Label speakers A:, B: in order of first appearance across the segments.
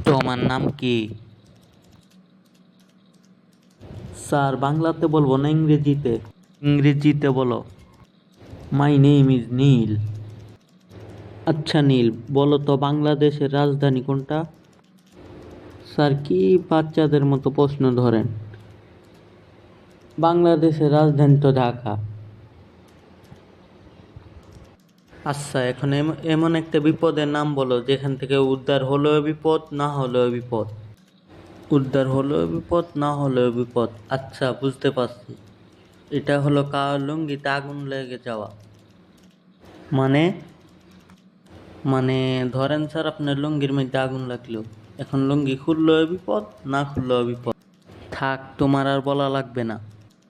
A: তোমার নাম কি? স্যার, বাংলাতে বলবো না ইংরেজিতে? ইংরেজিতে বলো। My name is Neel. আচ্ছা নীল, বলো তো বাংলাদেশের রাজধানী কোনটা? স্যার, কি বাচ্চাদের মতো প্রশ্ন ধরেন? বাংলাদেশের রাজধানী তো ঢাকা। আচ্ছা, এখন এমন একটা বিপদের নাম বলো যেখান থেকে উদ্ধার হলেও বিপদ, না হলেও বিপদ। উদ্ধার হলেও বিপদ, না হলেও বিপদ। আচ্ছা, বুঝতে পারছি। এটা হলো কার লুঙ্গিতে আগুন লেগে যাওয়া। মানে? মানে ধরেন স্যার, আপনার লুঙ্গির মধ্যে আগুন লাগলো। এখন লুঙ্গি খুললেও বিপদ, না খুললেও বিপদ। থাক, তোমার আর বলা লাগবে না।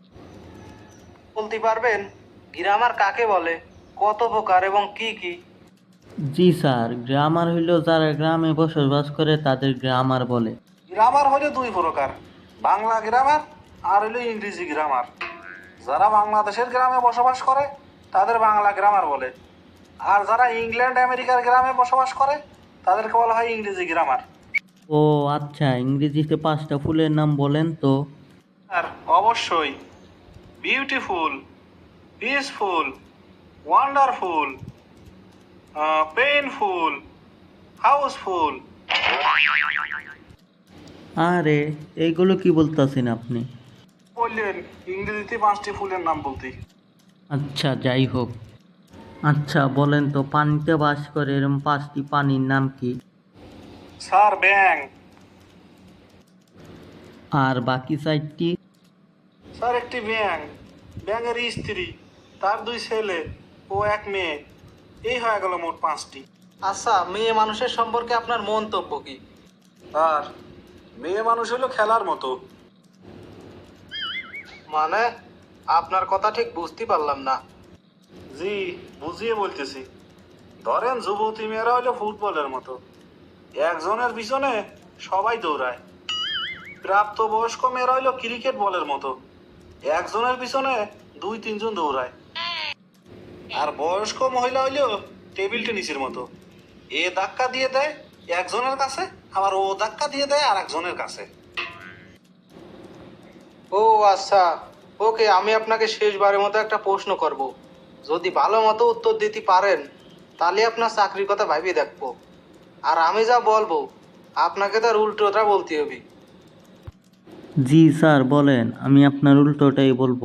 B: বলতে পারবেন গ্রামার কাকে বলে, কত প্রকার এবং কি কি?
A: জি স্যার, গ্রামার হইল যারা গ্রামে বসবাস করে তাদের গ্রামার বলে।
B: গ্রামার হলো দুই প্রকার, বাংলা গ্রামার আর হলো ইংরেজি গ্রামার। যারা বাংলাদেশের গ্রামে বসবাস করে তাদের বাংলা গ্রামার বলে, আর যারা ইংল্যান্ড আমেরিকার গ্রামে বসবাস করে তাদেরকে বলা হয় ইংরেজি গ্রামার।
A: ও আচ্ছা, ইংরেজিতে 5টা ফুলের নাম বলেন তো।
B: আর অবশ্যই, beautiful, peaceful, wonderful, painful, houseful.
A: আরে, এইগুলো কি বলতেছেন আপনি?
B: বললেন ইংরেজিতে 5টি ফুলের নাম বলতে।
A: আচ্ছা, যাই হোক। আচ্ছা বলেন তো, পানিতে বাস করে এরকম 5টি পানির নাম কি?
B: স্যার, ব্যাং।
A: আর বাকি 4টি?
B: স্যার, একটি ব্যাং, ব্যাঙের স্ত্রী, তার 2 ছেলে ও 1 মেয়ে, এই হয়ে গেল মোট 5টি। আচ্ছা, মেয়ে মানুষের সম্পর্কে আপনার মন্তব্য কি? স্যার, মেয়ে মানুষ হলো খেলার মতো। মানে, আপনার কথা ঠিক বুঝতে পারলাম না। জি, বুঝিয়ে বলতেছি। ধরেন যুবতী মেয়েরা হলো ফুটবলের মতো, একজনের পিছনে সবাই দৌড়ায়। প্রাপ্তবয়স্ক মেয়েরা হলো ক্রিকেট বলের মতো, একজনের পিছনে 2-3 জন দৌড়ায়। আর বয়স্ক মহিলা হইলো টেবিল টেনিসের মতো, এ ধাক্কা দিয়ে দেয় একজনের কাছে, আবার ও ধাক্কা দিয়ে দেয় আর একজনের কাছে। ও আচ্ছা, ওকে, আমি আপনাকে শেষবারের মতো একটা প্রশ্ন করব। যদি ভালো মতো উত্তর দিতে পারেন তাহলে আপনার চাকরির কথা ভাবিয়ে দেখবো, আর আমি যা বলবো আপনাকে তার উল্টোটা বলতে হবে।
A: জি স্যার, বলেন, আমি আপনার উল্টোটাই বলবো।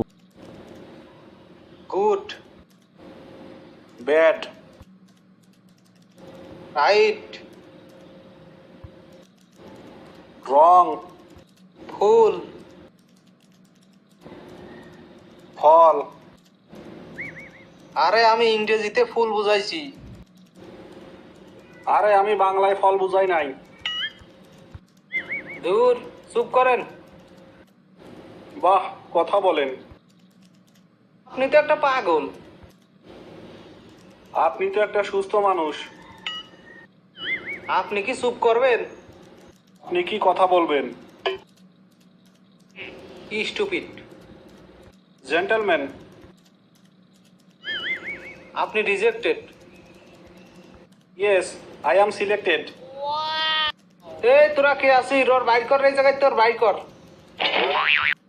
B: Good, bad, right, wrong, full, fall. আরে, আমি ইংরেজিতে ফুল বুঝাইছি। আরে, আমি বাংলায় ফল বুঝাই নাই। দূর, চুপ করেন। বাহ, কথা বলেন। আপনি তো একটা পাগল। আপনি তো একটা সুস্থ মানুষ। আপনি কি চুপ করবেন? আপনি কি কথা বলবেন? স্টুপিড। জেন্টলম্যান, আপনি rejected. Yes, I am selected. এই তোরা কে আছিস? ওর বাইর কর, এই জায়গায় তোর বাইর কর।